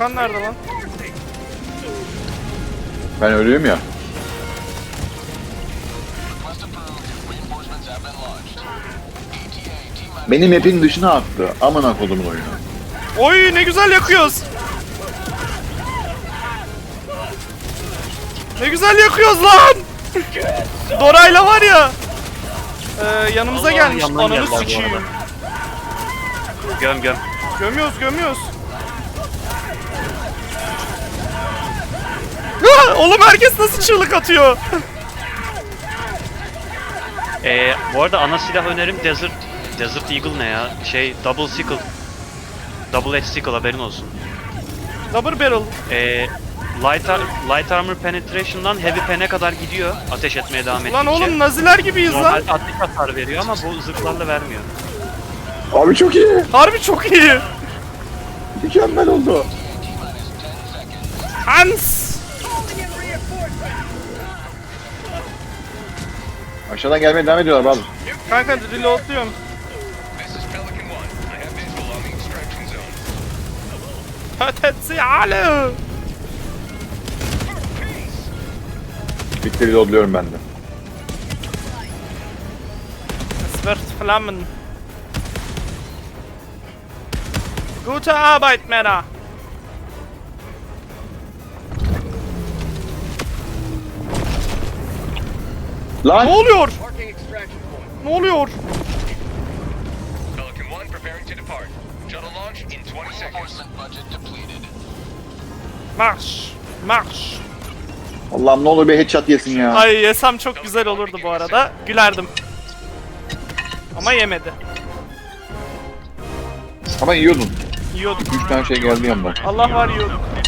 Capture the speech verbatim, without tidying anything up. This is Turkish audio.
Gökhan nerede lan? Ben ölüyüm ya. Benim map'in dışına attı. Amına kodumun oyunu. Oy ne güzel yakıyoruz. Ne güzel yakıyoruz lan. Dora'yla var ya. Ee, yanımıza Allah, gelmiş. yandan Ananı geldiler bu sikeyim. arada. Göm göm. Gömüyoruz gömüyoruz. Ah, oğlum herkes nasıl çığlık atıyor? Ee, bu arada ana silah önerim Desert Desert Eagle ne ya? Şey Double Sickle. Double Edge Sickle haberin olsun. Double barrel. Ee, light, ar light Armor Penetration'dan Heavy Pen'e kadar gidiyor ateş etmeye devam ettikçe. Lan oğlum naziler gibiyiz lan. Normal atış hasar veriyor ama bu zırhlarla vermiyor. Abi çok iyi. Harbi çok iyi. Mükemmel oldu. Hans. Aşağıdan gelmeye devam ediyorlar bazı. Kanka reloadluyorum. Ötetsi alı. Bitti reloadluyorum ben de. Es wird flammen. Gute Arbeit, Männer. Lan! Ne oluyor? Ne oluyor? Pelican one preparing to depart. Shuttle launch in twenty seconds. Marş. Marş. Allah'ım ne olur bir headshot yesin ya. Ay yesem çok güzel olurdu bu arada. Gülerdim. Ama yemedi. Ama yiyordun. Yiyorduk. Üç tane şey geldi yandan. Allah var yiyorduk.